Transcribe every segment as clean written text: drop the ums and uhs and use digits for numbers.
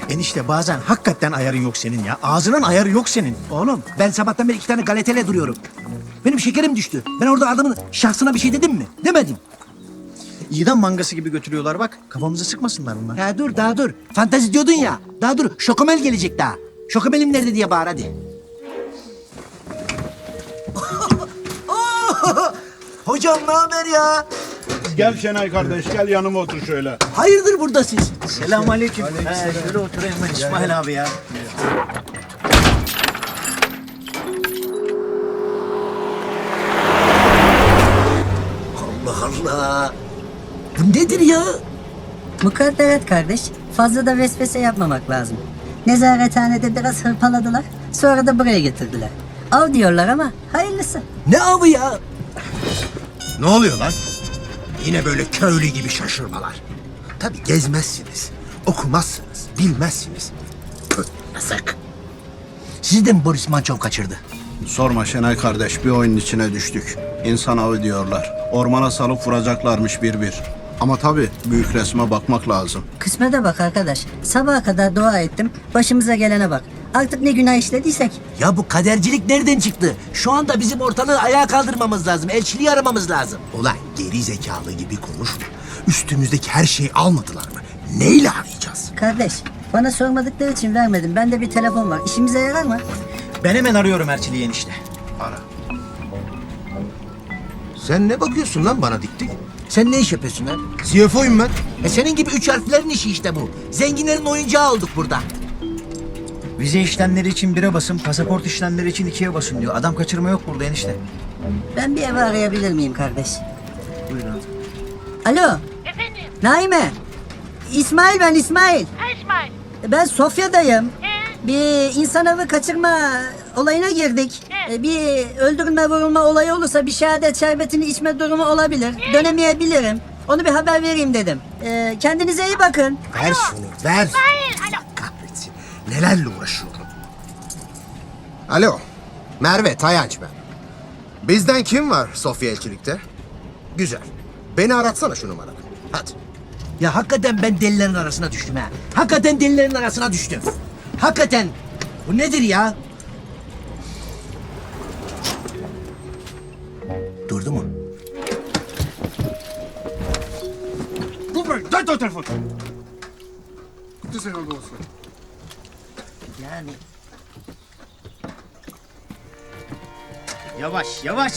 Enişte bazen hakikaten ayarın yok senin ya. Ağzının ayarı yok senin. Oğlum ben sabahtan beri 2 tane galetele duruyorum. Benim şekerim düştü. Ben orada adamın şahsına bir şey dedim mi? Demedim. İdam mangası gibi götürüyorlar bak. Kafamızı sıkmasınlar bunlar. Ya dur daha dur. Fantezi diyordun ya. Daha dur. Şokomel gelecek daha. Şokomelim nerede diye bağır hadi. Hocam ne haber ya? Gel Şenay kardeş, gel yanıma otur şöyle. Hayırdır burada siz? Selamünaleyküm. Şöyle oturayım ben İsmail abi ya. Allah Allah. Bu nedir ya? Mukadderat kardeş, fazla da vesvese yapmamak lazım. Nezarethanede biraz hırpaladılar, sonra da buraya getirdiler. Av diyorlar ama hayırlısı. Ne avı ya? Ne oluyor lan? Yine böyle köylü gibi şaşırmalar. Tabii gezmezsiniz, okumazsınız, bilmezsiniz. Püh, yazık. Sizi de mi Boris Mançov kaçırdı? Sorma Şenay kardeş, bir oyunun içine düştük. İnsan avı diyorlar. Ormana salıp vuracaklarmış bir bir. Ama tabii büyük resme bakmak lazım. Kısmete bak arkadaş, sabaha kadar dua ettim, başımıza gelene bak. Artık ne günah işlediysek. Ya bu kadercilik nereden çıktı? Şu anda bizim ortalığı ayağa kaldırmamız lazım. Elçiliği aramamız lazım. Ulan geri zekalı gibi konuşma. Üstümüzdeki her şeyi almadılar mı? Neyle arayacağız? Kardeş, bana sormadıkları için vermedim. Bende bir telefon var, işimize yarar mı? Ben hemen arıyorum Erçili'yi enişte. Sen ne bakıyorsun lan bana dik dik? Sen ne iş yapıyorsun lan? CFO'yum ben. Senin gibi 3 harflerin işi işte bu. Zenginlerin oyuncağı olduk burada. Vize işlemleri için 1'e basın, pasaport işlemleri için 2'ye basın diyor. Adam kaçırma yok burada enişte. Ben bir ev arayabilir miyim kardeş? Buyurun. Alo, Efendim? Naime. İsmail ben, İsmail. Ha İsmail. Ben Sofya'dayım. Bir insan avı kaçırma olayına girdik. Bir öldürülme vurulma olayı olursa bir şehadet şerbetini içme durumu olabilir. Dönemeyebilirim. Onu bir haber vereyim dedim. Kendinize iyi bakın. Ver şunu, ver. İsmail. Alo. Kahretsin. Nelerle uğraşıyorum. Alo. Merve Tayanç ben. Bizden kim var Sofya Elçilik'te? Güzel. Beni aratsana şu numaradan. Hadi. Ya hakikaten ben delilerin arasına düştüm ha. Hakikaten delilerin arasına düştüm. Hakikaten. Bu nedir ya? Durdu mu? Dört o telefon. Yani Yavaş, yavaş.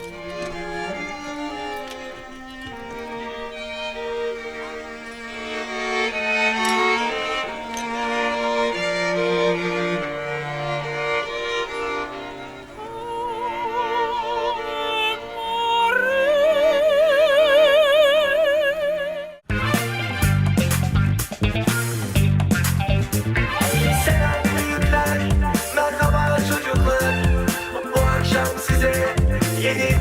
Selam büyükler, merhaba çocuklar. Bu akşam size yeni